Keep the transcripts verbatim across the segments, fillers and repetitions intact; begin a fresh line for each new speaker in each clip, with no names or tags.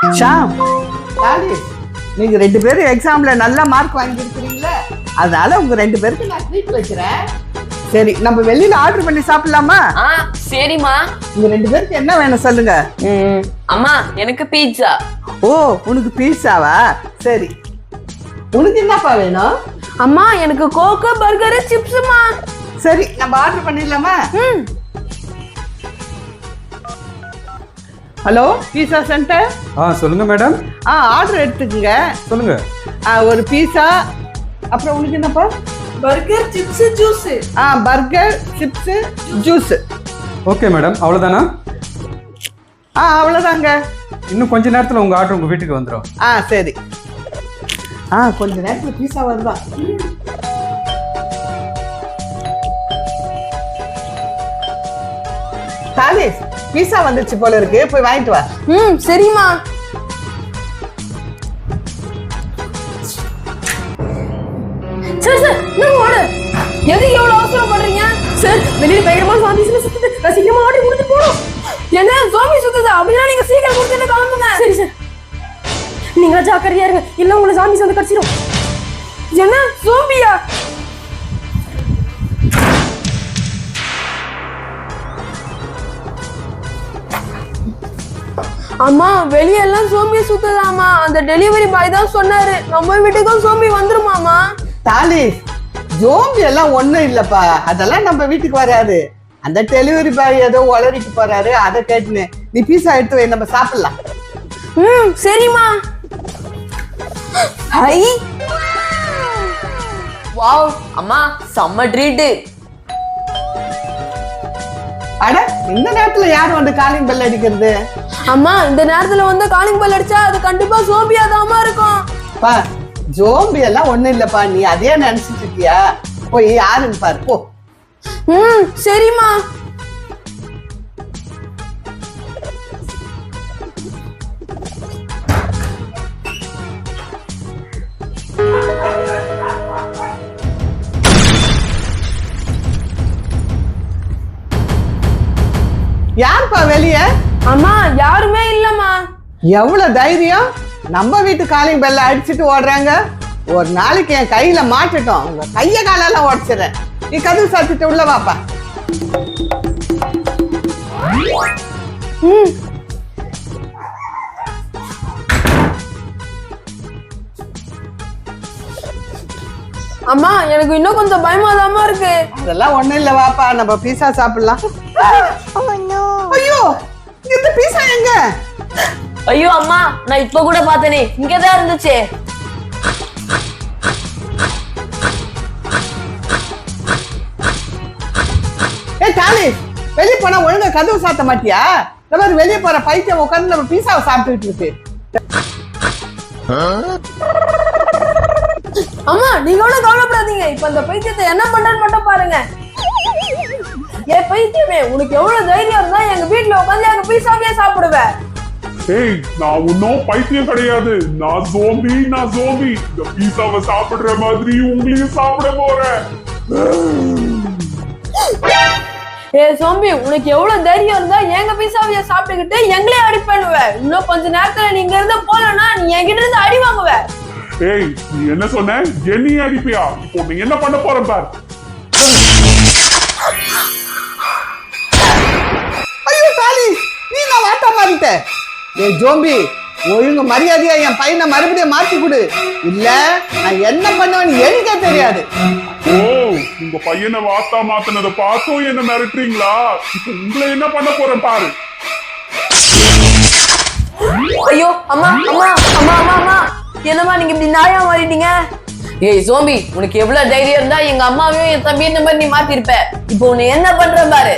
ஷாம், தாலிஸ், நீங்க ரெண்டு பேரும் எக்ஸாம்ல நல்ல மார்க் வாங்கியிருக்கிறீங்களே, அதனால உங்க ரெண்டு பேருக்கு நான் ட்ரீட் வைக்கிறேன். சரி, நம்ம வெளியில ஆர்டர் பண்ணி சாப்பிடலாமா?
ஆ சரிம்மா.
உங்க ரெண்டு பேருக்கு என்ன வேணும் சொல்லுங்க.
அம்மா எனக்கு பீட்சா.
ஓ, உனக்கு பீட்சாவா? சரி, உனக்கு என்னப்பா வேணும்?
அம்மா எனக்கு கோகோ பர்கர் சிப்ஸ்மா.
சரி, நம்ம ஆர்டர் பண்ணிடலாமா?
ம்.
ஹலோ, பீஸா சென்டர்.
ஆ சொல்லுங்க மேடம்.
ஆ ஆர்டர் எடுத்துக்கங்க.
சொல்லுங்க.
ஆ ஒரு பீஸா, அப்புறம் உனக்கு என்னப்பா?
Burger chips juice.
ஆ burger chips juice.
Okay madam, அவ்வளோதானா?
ஆ அவ்வளோதாங்க.
இன்னும் கொஞ்ச நேரத்தில் உங்கள் ஆர்டர் உங்கள் வீட்டுக்கு வந்துடும்.
ஆ சரி. ஆ கொஞ்ச நேரத்தில் பீஸா வருதா? தாலிஸ், பீஸா வந்துச்சு போல இருக்கு, போய் வாங்கிட்டு வா.
ம் சரிம்மா. சார் சார் நான் ஓடு. எதுக்கு எவ்வளவு அவசரப்படுறீங்க சார்? வெளியில பயங்கரமா சாமி சுத்துது, நான் சீக்கிரமா ஆர்டர் கொடுத்து போறோம். என்ன சாமி சுத்துது? அப்படின்னா நீங்க சீக்கிரம் கொடுத்துட்டு கிளம்புங்க. சரி சார், நீங்க ஜாக்கிரதையா இருங்க, இல்ல உங்களை சாமி வந்து கடிச்சிடும். என்ன சோம்பியா? அம்மா வெளியெல்லாம் சோம்பி சுத்துதாமா, அந்த டெலிவரி பாய் தான் சொன்னாரு. நம்ம வீட்டுக்கும் சோம்பி வந்துருமாமா.
தாலிஸ், ஜோம்பி எல்லாம் ஒண்ணும் இல்லப்பா, அதெல்லாம் நம்ம வீட்டுக்கு வராது. அந்த டெலிவரி பாய் ஏதோ உளறிட்டு போறாரு, அதை கேட்டுன்னு நீ பீஸா எடுத்து வை, நம்ம சாப்பிடலாம்.
ம் சரிம்மா. ஹை வாவ் அம்மா, செம்ம ட்ரீட்.
அட, இந்த நேரத்துல யார் வந்து காலிங் பெல் அடிக்கிறது?
அம்மா இந்த நேரத்துல வந்து காலிங் பெல் அடிச்சா அது கண்டிப்பா சோம்பியா தாமா இருக்கும்.
பா, ஜோம்பி எல்லாம் ஒண்ணும் இல்லப்பா, நீ அதே நினைச்சிட்டு இருக்கியா? போய் யாருன்னு பாரு போ.
ம் சரிம்மா.
யாருப்பா வெளிய?
அம்மா யாருமே இல்லம்மா.
எவ்வளவு தைரியம்! நம்ம வீட்டு காலிங் பெல்ல அடிச்சுட்டு ஓடுறாங்க. ஒரு நாளைக்கு என் கையில மாட்டுட்டோம், உங்க கைய காலெல்லாம் உடச்சிடுறேன். நீ கதவு சாத்திட்டு உள்ள வாப்பா.
ம் அம்மா எனக்கு இன்னும் கொஞ்சம் பயமாதாமா இருக்கு.
அதெல்லாம் ஒண்ணும் இல்ல, வாப்பா நம்ம பீஸா சாப்பிடலாம். ஐயோ, இந்த பீஸா எங்க?
ஐயோ அம்மா, நான் இப்ப கூட பார்த்தனே, இங்கதான் இருந்துச்சு.
ஏ தாலிஸ், வெளிய போனா ஒழுங்கா கதவு சாத்த மாட்டியா? இந்த மாதிரி வெளிய போற பைத்தியம் உட்கார்ந்து நம்ம பீஸாவை சாப்பிட்டுட்டு இருக்கு.
அம்மா நீங்க ஒன்னும் கவலைப்படாதீங்க, இப்ப அந்த பைத்தியத்தை என்ன பண்றேன்னு மட்டும் பாருங்க. ஏ பைத்தியமே, உனக்கு எவ்வளவு தைரியம் இருந்தா எங்க வீட்டுல உட்காந்து எங்க பீஸாவே சாப்பிடுவ?
ஏய், நான் ஒன்னும் பைத்தியம் கிடையாது. நான் ஜோம்பி, நான் ஜோம்பி. இந்த பீஸாவை சாப்பிடுற மாதிரி உங்களையும் சாப்பிட போறேன்.
ஏ சோம்பி, உனக்கு எவ்வளவு தைரியம் இருந்தா எங்க பீஸாவைய சாப்பிட்டுக்கிட்டு எங்களே அடி பண்ணுவ? இன்னும் கொஞ்ச நேரத்துல நீங்க இருந்து போலன்னா நீ என்கிட்ட இருந்து அடி வாங்குவ.
ஏய், நீ என்ன சொன்ன? என்னையே அடிப்பியா? இப்போ நீ என்ன பண்ண போற பார்.
ஐயோ தாலிஸ், நீ நான் வாட்டா மாறிட்ட. ஏ ஜோம்பி, ஒழுங்கு மரியாதையா என் பையனை மறுபடியும் மாத்தி கொடு, இல்ல நான் என்ன பண்ணுவேன்னு எனக்கே தெரியாது.
ஓ, உங்க பையனை வாத்தா மாத்தினதை பார்த்தும் என்ன மிரட்டுறீங்களா? இப்போ உங்களை என்ன பண்ண போறேன் பாரு.
ஐயோ அம்மா அம்மா அம்மா அம்மா அம்மா, என்னம்மா நீங்க இப்படி நாயா மாறிட்டீங்க? ஏய் சோம்பி, உனக்கு எவ்வளவு தைரியம் இருந்தா எங்க அம்மாவையும் என் தம்பி இந்த மாதிரி நீ மாத்திருப்ப. இப்போ உன்னை என்ன பண்ற பாரு.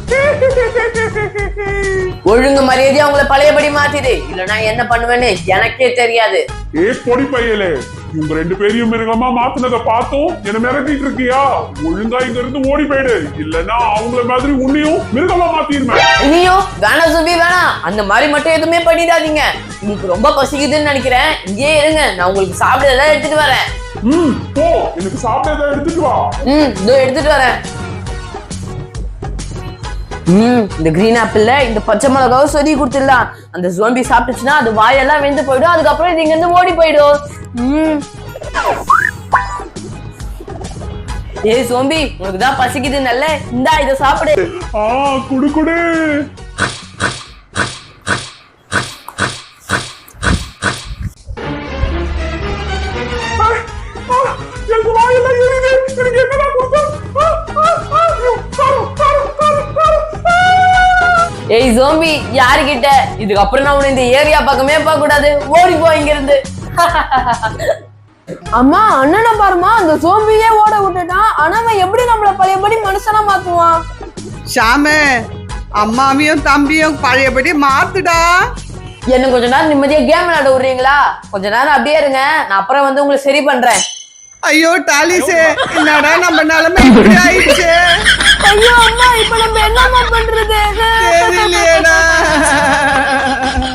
ஒழுங்கு மரியாதையா உங்களை பழையபடி மாத்திடு, இல்லனா என்ன பண்ணுவேன்னு எனக்கே தெரியாது.
ஏ பொடி பையலே, உங்க ரெண்டு பேரையும் மிருகமா மாத்தினதை பார்த்தும் என்ன மிரட்டிட்டு இருக்கியா? ஒழுங்கா இங்க இருந்து ஓடி போயிடு, இல்லன்னா அவங்கள மாதிரி உன்னையும் மிருகமா மாத்திருமே.
ஐயோ வேணாம் சோம்பி வேணாம், அந்த மாதிரி மட்டும் எதுவுமே பண்ணிடாதீங்க. உங்களுக்கு ரொம்ப பசிக்குதுன்னு நினைக்கிறேன், இங்கே இருங்க, நான் உங்களுக்கு சாப்பிட ஏதாவது எடுத்துட்டு வரேன்.
ம் போ, எனக்கு சாப்பிட ஏதாவது எடுத்துட்டு வா.
ம் இதோ எடுத்துட்டு வரேன். ம் இந்த கிரீன் ஆப்பிள்ல இந்த பச்சை மிளகாவும் சொதி கொடுத்துடலாம். அந்த ஜோம்பி சாப்பிட்டுச்சுன்னா அது வாயெல்லாம் வெந்து போயிடும். அதுக்கப்புறம் இது இங்க இருந்து ஓடி போயிடும். ம் ஏய் சோம்பி, உனக்கு தான் பசிக்குது நல்ல, இந்தா இத சாப்பிடு.
ஆ குடு குடு. ஆ, ஆ, எனக்கு வாயெல்லாம் எரியுது. எனக்கு என்னடா கொடுத்தோம்? ஆ, ஆ, ஆ, ஐயோ, காரம், காரம், காரம், காரம். ஆ!
ஏய் சோம்பி, யாருகிட்ட? இதுக்கப்புறம் நான் உன்னை இந்த ஏரியா பக்கமே பார்க்க கூடாது. ஓடி போ இங்க இருந்து. அம்மா அண்ணனை பாருமா, அந்த சோம்பியே ஓட விட்டுட்டான். ஆனா அவன் எப்படி நம்மள பழையபடி மனுஷனா மாத்துவான்?
ஷாமே, அம்மாவையும் தம்பியும் பழையபடி மாத்துடா.
என்ன கொஞ்ச நேரம் நிம்மதியா கேம் விளையாட விடுறீங்களா? கொஞ்ச நேரம் அப்படியே இருங்க, நான் அப்புறம் வந்து உங்களை சரி பண்றேன்.
ஐயோ டாலிஸே, என்னடா நம்ம நிலைமை இப்படி ஆயிடுச்சு.
ஐயோ அம்மா, இப்ப நம்ம என்னம்மா பண்றது?
தெரியலையேடா.